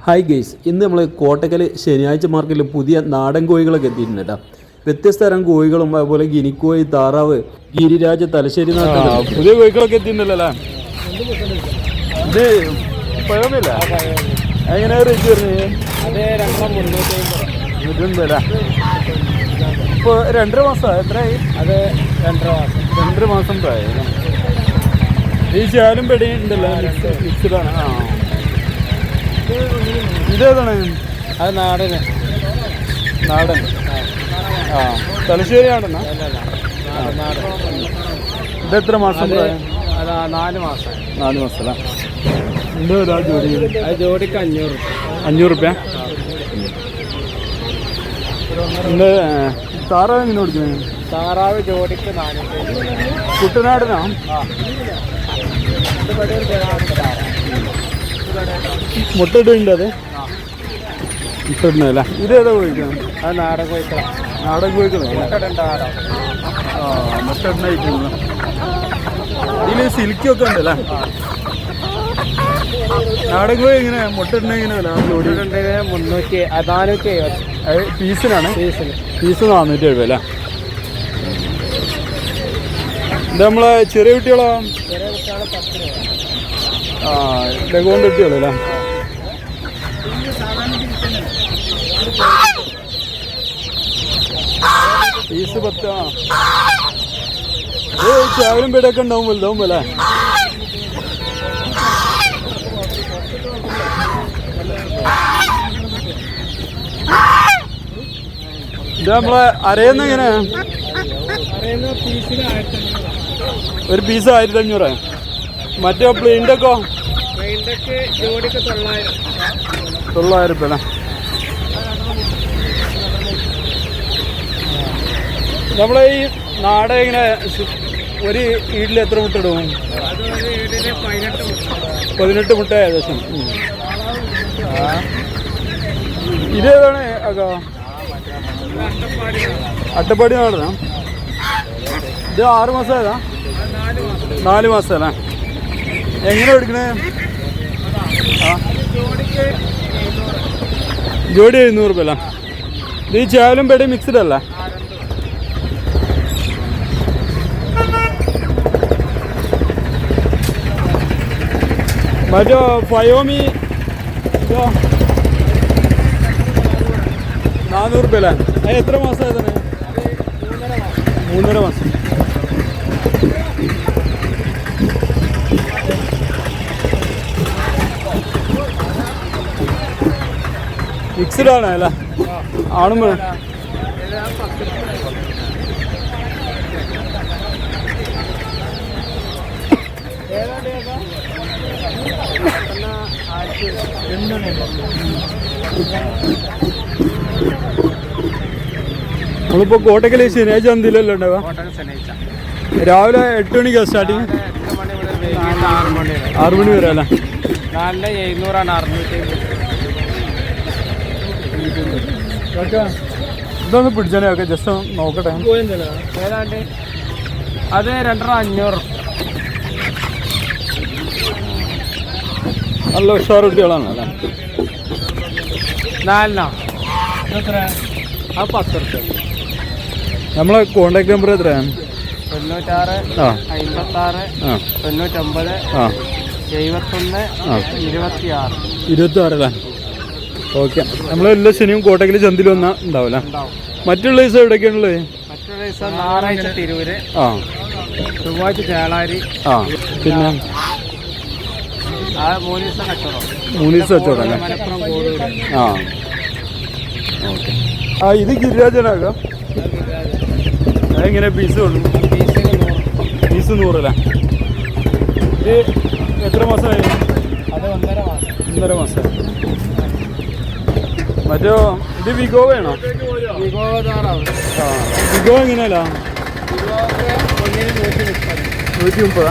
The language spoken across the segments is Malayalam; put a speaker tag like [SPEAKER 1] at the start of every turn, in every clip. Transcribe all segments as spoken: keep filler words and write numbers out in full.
[SPEAKER 1] ഹായ് ഗെയ്സ്, ഇന്ന് നമ്മൾ കോട്ടക്കൽ ശനിയാഴ്ച മാർക്കറ്റിൽ പുതിയ നാടൻ കോഴികളൊക്കെ എത്തിയിട്ടുണ്ട് കേട്ടോ. വ്യത്യസ്ത തരം കോഴികളും അതുപോലെ ഗിനിക്കോഴി, താറാവ്, ഗിരിരാജ, തലശ്ശേരി പുതിയ കോഴികളൊക്കെ എത്തിയിട്ടുണ്ടല്ലോ. ഇത് പഴമില്ല എങ്ങനെ റേറ്റ് വരുന്നത്? മുന്നൂറ്റമ്പതല്ലേ? ഇപ്പോൾ രണ്ടര മാസം എത്രയായി? അത് രണ്ടര മാസം രണ്ടര മാസം പ്രായം. ഈ ചാലും പെടി ഉണ്ടല്ലോ, മിക്സ്ഡാണ്. ആ ഇതേതാണ്? അത് നാടന്. നാടൻ ആ തലശ്ശേരി നാടനാ? ഇതെത്ര മാസം?
[SPEAKER 2] നാല് മാസം
[SPEAKER 1] നാല് മാസം അല്ല. എന്താ ജോഡി?
[SPEAKER 2] അത് ജോഡിക്ക് അഞ്ഞൂറ്
[SPEAKER 1] അഞ്ഞൂറ് റുപ്യ. എന്താ താറാവ് എങ്ങനെ കൊടുക്കുന്നത്?
[SPEAKER 2] താറാവ് ജോഡിക്ക് നാനൂറ്റി.
[SPEAKER 1] കുട്ടനാടനാ? മുട്ട ഇടുന്നുണ്ട്. അത് മുട്ട ഇടുന്നതല്ല. ഇതേതാ കോഴിക്കണം?
[SPEAKER 2] അത് നാടൻ കോഴിക്കണം.
[SPEAKER 1] നാടൻ കോഴിക്കണം. ആ മുട്ട ഇടുന്ന ഇതിൽ സിൽക്കൊക്കെ ഉണ്ടല്ലേ? നാടൻ കോഴി എങ്ങനെ മുട്ട ഇടുന്ന എങ്ങനെയല്ല? ജോഡി
[SPEAKER 2] മുന്നൂറ്റി നാനൂറ്റി എഴുപത്.
[SPEAKER 1] പീസിനാണ്?
[SPEAKER 2] പീസിന്
[SPEAKER 1] പീസ് നാനൂറ്റി എഴുപത് അല്ലേ? ഇത് നമ്മളെ ചെറിയ കുട്ടികളോ?
[SPEAKER 2] ചെറിയ കുട്ടികളെ പത്ത് രൂപ.
[SPEAKER 1] ആ ലഗോണ്ട് കുട്ടികളോ അല്ലേ? പീസ് പത്ത്. ആ ഇത് ചാവലും പേടൊക്കെ ഉണ്ടാവും, വലുതാവും അല്ലേ? ഇത് നമ്മളെ അരയുന്ന എങ്ങനെയാ? ഒരു പീസ് ആയിരത്തി അഞ്ഞൂറ്. മറ്റേ പ്ലെയിൻ്റെക്കോ? തൊള്ളായിരം റുപ്യ അല്ലേ? നമ്മളെ ഈ നാടൻ ഇങ്ങനെ ഒരു ഈടിൽ എത്ര മുട്ട ഇടും? പതിനെട്ട് മുട്ട ഏകദേശം. ഇതേതാണ് അക്കാ? അട്ടപ്പാടി നാടനാ? ഇത് ആറ് മാസം ഏതാ? നാല് മാസം അല്ലേ? എങ്ങനെ എടുക്കണേ? ആ ജോഡി എഴുന്നൂറ് റുപ്യ അല്ലേ? ഇത് ഈ ചാവലും പേടി മിക്സ്ഡ് അല്ല? മറ്റോ ഫയോമി നാനൂറ് റുപ്യ അല്ലേ? അത് എത്ര മാസം ആയതാണ്? മൂന്നര മാസം. മിക്സ്ഡ് ആണ് അല്ലേ? ആണും വേണം. നമ്മളിപ്പോ കോട്ടക്കൽ ശനിയാഴ്ച എന്തില്ലല്ലോ ഉണ്ടാവുക? രാവിലെ എട്ട് മണിക്കാണ് സ്റ്റാർട്ടിങ്? ആറു മണി വരെ അല്ലേ?
[SPEAKER 2] നാലിന് എഴുന്നൂറാണ്. അറുന്നൂറ്റി
[SPEAKER 1] ഇതൊന്ന് പിടിച്ചാലേ ഒക്കെ ജസ്റ്റ് നോക്കട്ടെ.
[SPEAKER 2] ഏതാണ്ട് അത് രണ്ടര അഞ്ഞൂറ്.
[SPEAKER 1] നല്ല ഉഷാർ കുട്ടികളാണ് അല്ലേ?
[SPEAKER 2] നാലിനോ? എത്ര? അത് പത്ത് റുപ്യ.
[SPEAKER 1] നമ്മളെ കോണ്ടാക്ട് നമ്പർ എത്രയാണ്?
[SPEAKER 2] തൊണ്ണൂറ്റാറ്
[SPEAKER 1] ആ
[SPEAKER 2] അമ്പത്താറ്
[SPEAKER 1] ആ
[SPEAKER 2] തൊണ്ണൂറ്റൊമ്പത്
[SPEAKER 1] ആ
[SPEAKER 2] എഴുപത്തൊന്ന് ഇരുപത്തി ആറ്.
[SPEAKER 1] ഇരുപത്തി ആറല്ലേ? ഓക്കെ. നമ്മൾ എല്ലാ ശനിയും കോട്ടക്കൽ ചന്തിൽ വന്നാൽ ഉണ്ടാവില്ല. മറ്റുള്ള ദിവസം എവിടെയൊക്കെയാണുള്ളത്?
[SPEAKER 2] മറ്റുള്ള ദിവസം ഞായറാഴ്ച തിരൂര്,
[SPEAKER 1] ആ
[SPEAKER 2] ചൊവ്വാഴ്ച ചേളാരി,
[SPEAKER 1] ആ പിന്നെ
[SPEAKER 2] ആ മൂന്ന് ദിവസം കച്ചവടം.
[SPEAKER 1] മൂന്ന് ദിവസം കച്ചവടം അല്ലേ?
[SPEAKER 2] മലപ്പുറം കോടൂര്.
[SPEAKER 1] ആ ഓക്കെ. ആ ഇത് ഗിരിരാജനാകാം. അതെങ്ങനെ പീസ് കൊള്ളു?
[SPEAKER 2] പീസിന് നൂറ്.
[SPEAKER 1] പീസ് നൂറല്ലേ? ഇത് എത്ര മാസമായി?
[SPEAKER 2] അത് ഒന്നര മാസം.
[SPEAKER 1] ഒന്നര മാസം. മറ്റോ ഇത് വിഗോ വേണോ?
[SPEAKER 2] വിഗോ താറാവ്.
[SPEAKER 1] ആ വിഗോ എങ്ങനെയല്ല?
[SPEAKER 2] ഒന്നിന് നൂറ്റി മുപ്പത്.
[SPEAKER 1] നൂറ്റി മുപ്പതാ?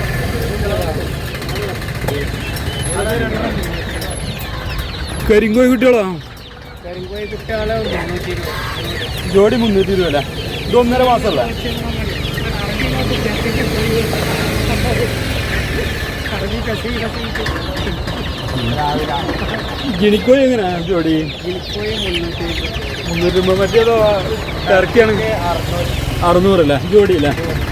[SPEAKER 1] കരിങ്കോഴി കുട്ടികളോ?
[SPEAKER 2] കരിങ്കോഴി കുട്ടികളെ മുന്നൂറ്റി ഇരുപത്.
[SPEAKER 1] ജോഡി മുന്നൂറ്റി ഇരുപത് അല്ലേ? ഇത് ഒന്നര മാസമല്ല?
[SPEAKER 2] രാവിലെ
[SPEAKER 1] ഗിനിക്കോഴി എങ്ങനെയാ ജോഡി?
[SPEAKER 2] ഗിനിക്കോഴി മുന്നൂറ്റി
[SPEAKER 1] മുന്നൂറ്റി രൂപ. മറ്റേതോ ടർക്കിയാണെങ്കിൽ
[SPEAKER 2] അറുന്നൂറ്
[SPEAKER 1] അറുന്നൂറല്ലേ ജോഡിയല്ലേ?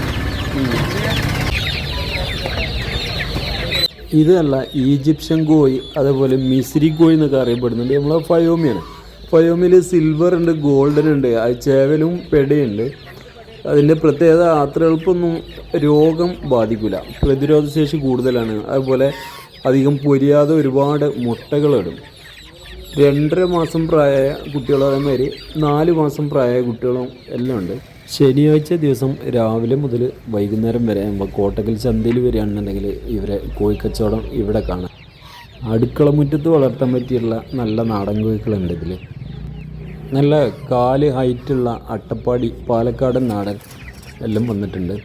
[SPEAKER 1] ഇതല്ല ഈജിപ്ഷ്യൻ കോഴി, അതേപോലെ മിസ്രി കോഴി എന്നൊക്കെ അറിയപ്പെടുന്നുണ്ട്. നമ്മളെ ഫയോമിയാണ്. ഫയോമിൽ സിൽവർ ഉണ്ട്, ഗോൾഡൻ ഉണ്ട്, അത് ചേവലും പെടയുണ്ട്. അതിൻ്റെ പ്രത്യേകത അത്ര എളുപ്പമൊന്നും രോഗം ബാധിക്കില്ല, പ്രതിരോധ ശേഷി കൂടുതലാണ്. അതുപോലെ അധികം പൊരിയാതെ ഒരുപാട് മുട്ടകളിടും. രണ്ടര മാസം പ്രായമായ കുട്ടികളും അതേമാതിരി നാല് മാസം പ്രായമായ കുട്ടികളും എല്ലാം ഉണ്ട്. ശനിയാഴ്ച ദിവസം രാവിലെ മുതൽ വൈകുന്നേരം വരെ നമ്മൾ കോട്ടക്കൽ ചന്തയിൽ വരികയാണെന്നുണ്ടെങ്കിൽ ഇവരെ കോഴിക്കച്ചവടം ഇവിടെ കാണാം. അടുക്കള മുറ്റത്ത് വളർത്താൻ പറ്റിയുള്ള നല്ല നാടൻ കോഴികളുണ്ട് ഇതിൽ. നല്ല കാല് ഹൈറ്റുള്ള അട്ടപ്പാടി പാലക്കാടൻ നാടൻ എല്ലാം വന്നിട്ടുണ്ട്.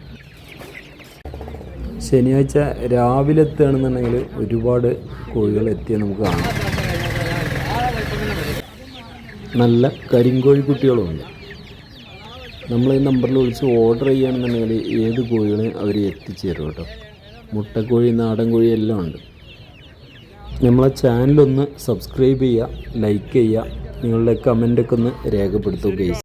[SPEAKER 1] ശനിയാഴ്ച രാവിലെ എത്തുകയാണെന്നുണ്ടെങ്കിൽ ഒരുപാട് കോഴികൾ എത്തിയാൽ നമുക്ക് കാണാം. നല്ല കരിങ്കോഴി കുട്ടികളുമുണ്ട്. നമ്മൾ ഈ നമ്പറിൽ വിളിച്ച് ഓർഡർ ചെയ്യുകയാണെന്നുണ്ടെങ്കിൽ ഏത് കോഴികളെയും അവർ എത്തിച്ചു തരും കേട്ടോ. മുട്ടക്കോഴി, നാടൻ കോഴി എല്ലാം ഉണ്ട്. നമ്മളെ ചാനലൊന്ന് സബ്സ്ക്രൈബ് ചെയ്യുക, ലൈക്ക് ചെയ്യുക, നിങ്ങളുടെ കമൻ്റൊക്കെ ഒന്ന് രേഖപ്പെടുത്തുക ഗൈസ്.